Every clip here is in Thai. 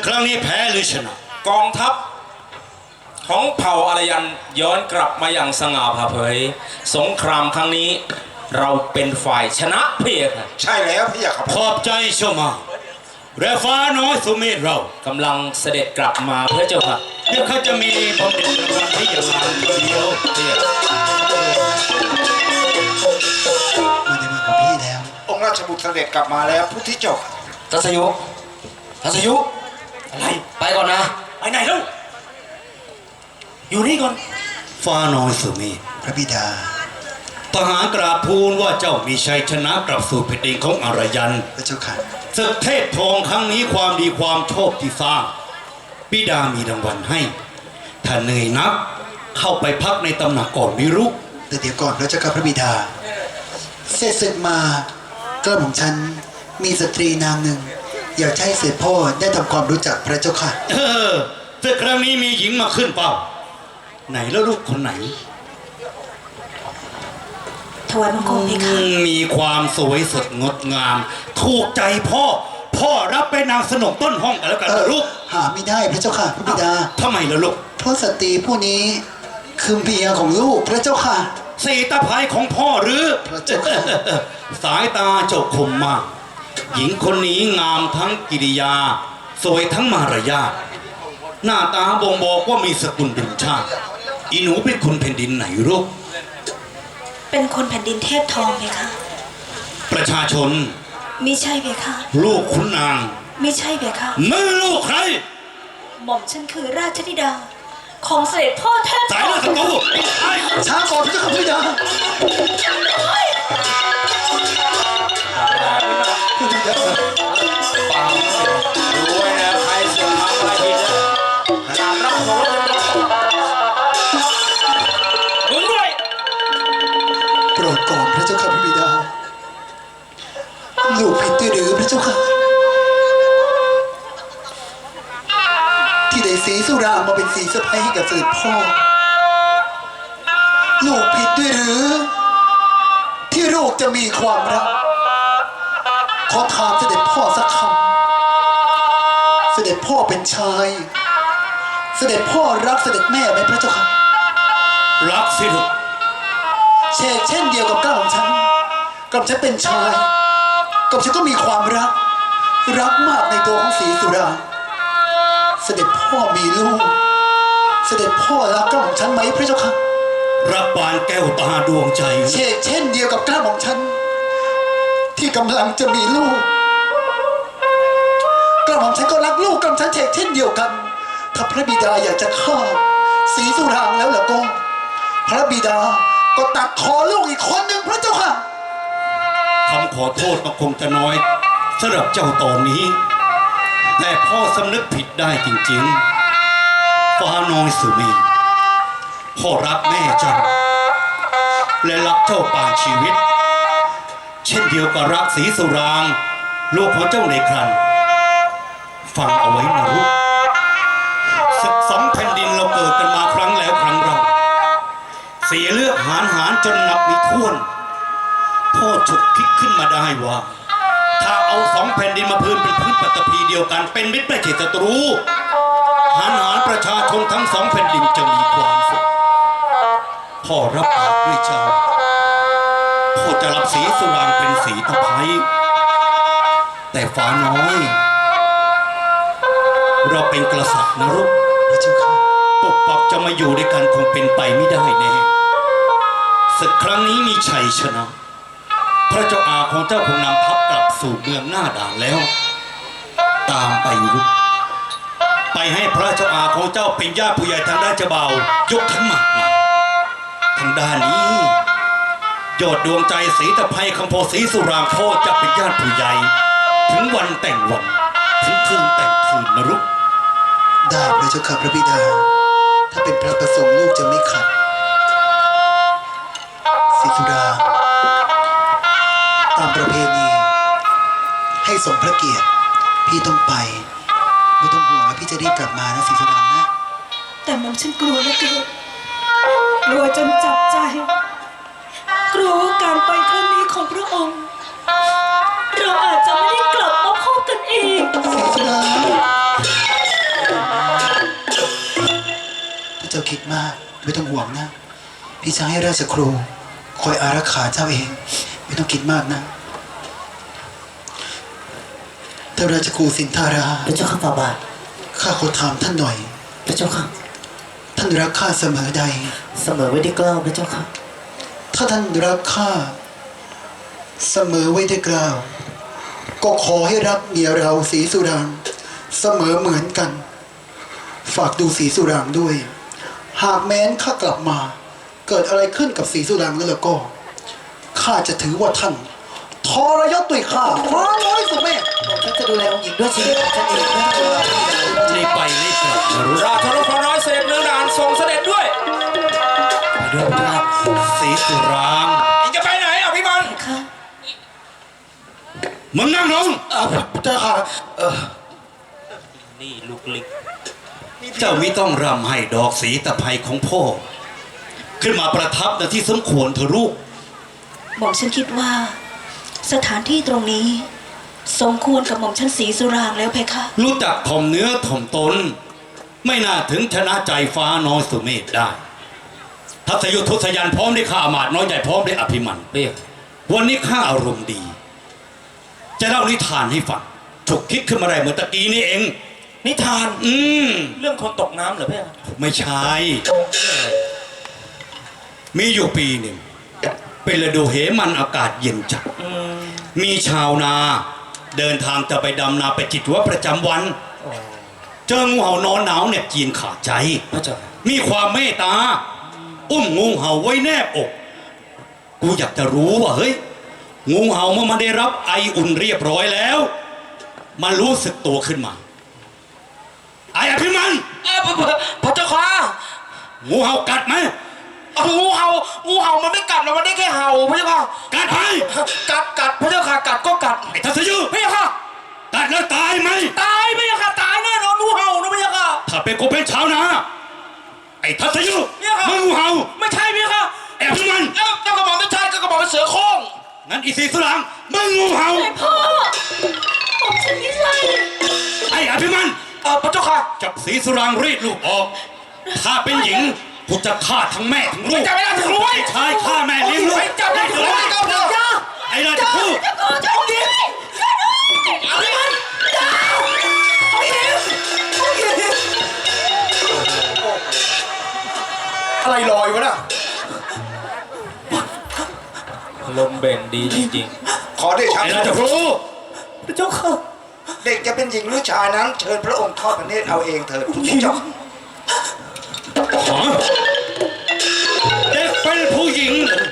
ครั้งนี้แพ้หรือชนะกองทัพของเผ่าอารยันย้อนกลับมาอย่างสง่าผ่าเผยสงครามครั้งนี้เราเป็นฝ่ายชนะเพียงใช่แล้วพี่อยากขับขอบใจเจ้ามาและฟ้าน้อยสุเมธเรากำลังเสด็จกลับมาเพื่อเจ้าค่ะเดี๋ยวเขาจะมีบำเหน็จรางวัลให้อย่างงานทีเดียวเดียวมาในเมืองของพี่แล้วองค์ราชบุตรเสด็จกลับมาแล้วพุทธิเจกทัศยุทัศยุอะไรไปก่อนนะไปไหนแล้วอยู่นี่ก่อนฟ้าน้อยสุเมธพระบิดาทหารกราบทูลว่าเจ้ามีชัยชนะกลับสู่แผ่นดินของอารยันพระเจ้าค่ะศึกเทพทองครั้งนี้ความดีความโชคที่สร้างบิดามีรางวัลให้ถ้าเหนื่อยนักเข้าไปพักในตำหนักก่อนวิรุแต่เดี๋ยวก่อนพระเจ้าค่ะพระบิดาเสร็จศึกมากระหม่อมฉันมีสตรีนางหนึ่ง อยากให้เสด็จพ่อได้ทำความรู้จักพระเจ้าค่ะศึกครั้งนี้มีหญิงมาขึ้นเปล่าไหนแล้วลูกคนไหนถวายบังคมเพคะมีความสวยสดงดงาม ถูกใจพ่อรับไปนางสนมต้นห้องกันแล้วกันนะลูกหาไม่ได้พระเจ้าค่ะพระบิดาทำไมล่ะลูกเพราะสตรีผู้นี้คือเมียของลูกพระเจ้าค่ะสีตาภายของพ่อหรือพระเจ้าค่ะสายตาเจ้าคมมาก หญิงคนนี้งามทั้งกิริยา สวยทั้งมารยาทหน้าตาบ่งบอกว่ามีสกุลเป็นชาติอีหนูเป็นคนแผ่นดินไหนลูกเป็นคนแผ่นดินเทพทองเพคะประชาชนมิใช่เพคะลูกขุนนางมิใช่เพคะมือลูกใครหม่อมฉันคือราชธิดา ของเสด็จพ่อเทพสายเลือดศัตรูไอ้ช้าก่อนพระเจ้าค่ะพระบิดาปารู้ไว้นะใครเสียงทำอะไรผิดนะขนาดรับของมึงด้วยโปรดก่อนพระเจ้าค่ะพระบิดา ลูกผิดด้วยหรือพระเจ้าค่ะ ที่ได้สีสุรามาเป็นสีสะพ้ายให้กับเสด็จพ่อ ลูกผิดด้วยหรือ ที่ลูกจะมีความรัก ขอถามเสด็จพ่อสักคำเสด็จพ่อเป็นชาย เสด็จพ่อรักเสด็จแม่ไหมพระเจ้าค่ะรักสิลูกเช่นเดียวกับก้าวของฉันกับฉันเป็นชายกับฉันก็มีความรัก รักมากในตัวของศรีสุดา เสด็จพ่อมีลูก เสด็จพ่อรักก้าวของฉันไหมพระเจ้าค่ะรับบานแก้วตาดวงใจเช่นเดียวกับก้าวของฉันที่กำลังจะมีลูกก้าวของฉันก็รักลูกกับฉันเช่นเดียวกัน ถ้าพระบิดาอยากจะฆ่าศรีสุรางแล้วล่ะก็พระบิดาก็ตัดคอลูกอีกคนหนึ่งพระเจ้าค่ะคำขอโทษก็คงจะน้อยสำหรับเจ้าตอนนี้ แต่พ่อสำนึกผิดได้จริงๆฟ้าน้อยสุมีพ่อรักแม่เจ้าและรักเจ้าปานชีวิต เช่นเดียวกับรักศรีสุรางลูกของเจ้าในครันฟังเอาไว้นะลูกศึกสองแผ่นดินเราเกิดกันมาครั้งแล้วครั้งเราเสียเลือดหานจนนับไม่ถ้วน พ่อฉุกคิดขึ้นมาได้ว่า ถ้าเอาสองแผ่นดินมาพื้นเป็นพื้นปฐพีเดียวกันเป็นมิตรไม่ใช่ศัตรูหารประชาชนทั้งสองแผ่นดินจะมีความสุขพ่อรับปากด้วยเจ้าพ่อจะรับศรีสุรางเป็นศรีตะไคร้แต่ฟ้าน้อย เราเป็นกษัตริย์นะลูกพระเจ้าค่ะปกปักจะมาอยู่ด้วยกันคงเป็นไปไม่ได้แน่ศึกครั้งนี้มีชัยชนะ พระเจ้าอาของเจ้าคงนำทัพกลับสู่เมืองหน้าด่านแล้ว ตามไปลูกไปให้พระเจ้าอาของเจ้าเป็นญาติผู้ใหญ่ทางด้านเจ้าบ่าวยกขันหมากมาทางด้านนี้ยอดดวงใจศรีตะไคร้คำโพศรีสุรางพ่อจะเป็นญาติผู้ใหญ่ถึงวันแต่งวันถึงคืนแต่งคืนนะลูกได้พระเจ้าค่ะพระบิดา ถ้าเป็นพระประสงค์ลูกจะไม่ขัดศรีสุดา ตามประเพณีให้สมพระเกียรติพี่ต้องไปไม่ต้องห่วงนะพี่จะรีบกลับมานะศรีสุดานะแต่หม่อมฉันกลัวเหลือเกินกลัวจนจับใจ กลัวว่าการไปครั้งนี้ของพระองค์ เราอาจจะไม่ได้กลับมาพบกันอีกศรีสุดาคิดมาก ไม่ต้องห่วงนะ พี่จะให้ราชครูคอยอารักขาเจ้าเอง ไม่ต้องคิดมากนะท่านราชครูสินธาราพระเจ้าข้าฝ่าบาทข้าขอถามท่านหน่อยพระเจ้าค่ะท่านรักข้าเสมอใดเสมอไว้ด้วยเกล้าพระเจ้าค่ะถ้าท่านรักข้าเสมอไว้ด้วยเกล้าวก็ขอให้รักเมียเราศรีสุรางค์เสมอเหมือนกัน ฝากดูศรีสุรางค์ด้วย หากแม้นข้ากลับมา เกิดอะไรขึ้นกับศรีสุรางค์แล้วก็ข้าจะถือว่าท่านทรยศด้วยข้าฟ้าน้อยสุดแม่ฉันจะดูแลองค์หญิงด้วยชีวิตของฉันเองนะรีบไปรีบกลับนะรู้ราชรถน้อยเสด็จเนืองด่านทรงเสด็จด้วยไปด้วยพระเจ้าสีสุรางจะไปไหนอ่ะพี่มันค่ะมึงนั่งลงพระเจ้าค่ะนี่ลูกลิกเจ้ามิต้องรำให้ดอกสีตะไคร้ของพ่อ ขึ้นมาประทับในที่สมควรเถอะลูกหม่อมฉันคิดว่า สถานที่ตรงนี้ สมควรกับหม่อมฉันศรีสุรางค์แล้วเพคะรู้จักถ่อมเนื้อถ่อมตน ไม่น่าถึงชนะใจฟ้าน้อยสุเมธได้ ทัศยุทธทศยันพร้อมด้วยข้าอามาตย์น้อยใหญ่พร้อมด้วยอภิมันเรียกวันนี้ข้าอารมณ์ดี จะเล่านิทานให้ฟังฉุกคิดขึ้นมาได้เหมือนตะกี้นี่เองนิทานมเรื่องคนตกน้ำเหรอพี่ไม่ใช่ มีอยู่ปีหนึ่ง เป็นฤดูเหมันอากาศเย็นจัด มีชาวนาเดินทางจะไปดำนาไปกิจวัตรประจำวัน เจองูเห่านอนหนาวเนี่ยจีนขาดใจพระเจ้ามีความเมตตา อุ้มงูเห่าไว้แนบอก กูอยากจะรู้ว่าเฮ้ย งูเห่าเมื่อมันได้รับไออุ่นเรียบร้อยแล้ว มันรู้สึกตัวขึ้นมา ไออภิมันพระเจ้าค่ะงูเห่ากัดไหมงูเห่ามันไม่กัดหรอกมันได้แค่เห่าพระเจ้าค่ะกัดไหมกัดพระเจ้าค่ะกัดก็กัดไอ้ทัศยุพระเจ้าค่ะกัดแล้วตายไหมตายพระเจ้าค่ะตายแน่นอนงูเห่านะพระเจ้าค่ะถ้าเป็นกูเป็นชาวนาไอ้ทัศยุเนี่ยครับมึงงูเห่าไม่ใช่พระเจ้าค่ะไอ้อภิมันเจ้ากระบอกไม่ใช่ก็กระบอกเป็นเสือโคร่งงั้นอีสีสุรังมึงงูเห่าพ่อหม่อมฉันไม่ใช่ไอ้อภิมันพระเจ้าค่ะจับสีสุรางรีดลูกออก ถ้าเป็นหญิงกูจะฆ่าทั้งแม่ทั้งลูกจับไม่ได้ถึงรู้ไว้ไอ้ชายฆ่าแม่เลี้ยงลูกจับได้ถึงรู้ไว้จับได้ไอ้ราชคู่อะไรลอยวะน่ะลมเบนดีจริงขอเดชะไอ้ราชคู่พระเจ้าค่ะเด็กจะเป็นหญิงหรือชายนั้น เชิญพระองค์ทอดพระเนตรเอาเองเถิดพุทธเจ้าฮะเด็กเป็นผู้หญิงเหรอ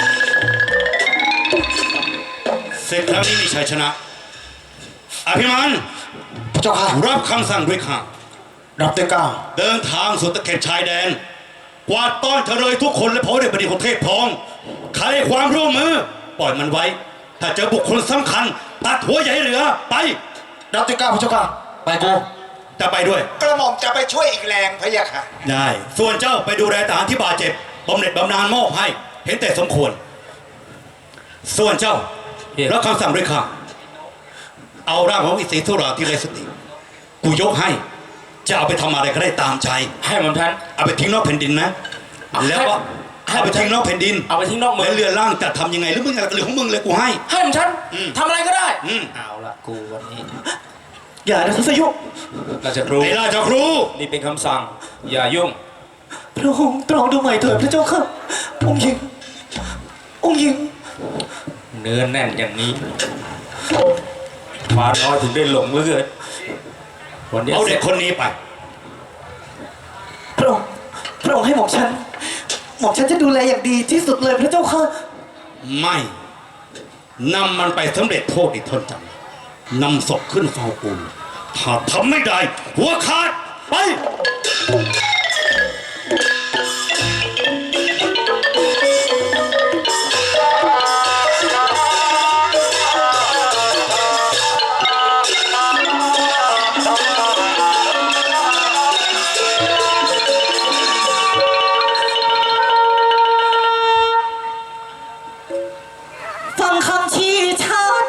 เสร็จครั้งนี้มีชัยชนะ อภิมันพระเจ้าค่ะรับคำสั่งด้วยข้ารับด้วยเกล้าเดินทางสู่ตะเข็บชายแดน กวาดต้อนเฉลยทุกคนและพอได้บดีของเทพทอง ใครให้ความร่วมมือ ปล่อยมันไว้ ถ้าเจอบุคคลสำคัญ ตัดหัวใหญ่เหลือ ไปรับด้วยเกล้าพระเจ้าค่ะ ไปกูจะไปด้วยกระหม่อมจะไปช่วยอีกแรงพระยะค่ะได้ ส่วนเจ้าไปดูแลทหารที่บาดเจ็บบำเหน็จบำนาญมอบให้ เห็นแต่สมควร ส่วนเจ้ารับคำสั่งด้วยข้าเอาร่างของอิสิธุราที่ไร้สติ กูยกให้ จะเอาไปทำอะไรก็ได้ตามใจๆ ให้มันท่านเอาไปทิ้งนอกแผ่นดินนะ แล้วก็เอาไปทิ้งนอกแผ่นดินเอาไปทิ้งนอกเมืองแล้วเรือล่างจะทำยังไงหรือมึงอะไรหรือของมึงเลยกูให้ให้มันท่านทำอะไรก็ได้อืมเอาละกูวันนี้อย่านะทัศยุราชครูไอ้ราชครูนี่เป็นคำสั่ง อย่ายุ่งพระองค์ตรองดูใหม่เถิดพระเจ้าค่ะองค์หญิง องค์หญิงเนื้อแน่นอย่างนี้ฟ้าน้อยถึงได้หลงเหลือเกินวันนี้เอาเด็กคนนี้ไปพระองค์ให้หม่อมฉันจะดูแลอย่างดีที่สุดเลยพระเจ้าค่ะไม่นำมันไปสำเร็จโทษอีกทนจำนำศพขึ้นเฝ้ากูถ้าทำไม่ได้ หัวขาด ไปฟังคำชี้ชัด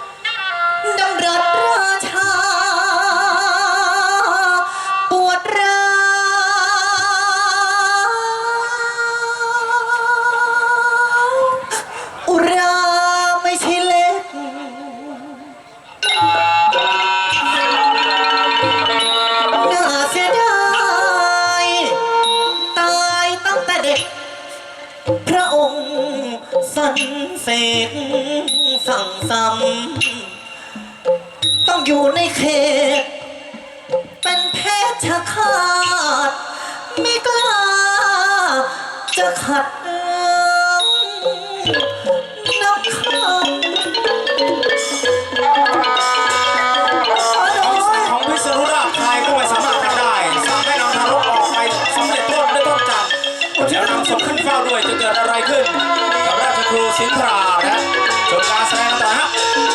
ดำรัสราชาปวดร้าพระองค์สันเสกสั่งซ้ำต้องอยู่ในเขต เป็นเพชฌฆาตไม่กล้าจะขัดนับคำคำสั่งของพิษณุราชใครก็ไม่สามารถทำได้สั่งให้นำทารกออกไปสำเร็จโทษด้วยต้นจันทร์แล้วนำศพขึ้นเฝ้าด้วยจะเกิดอะไรขึ้นกับราชครูสินทรา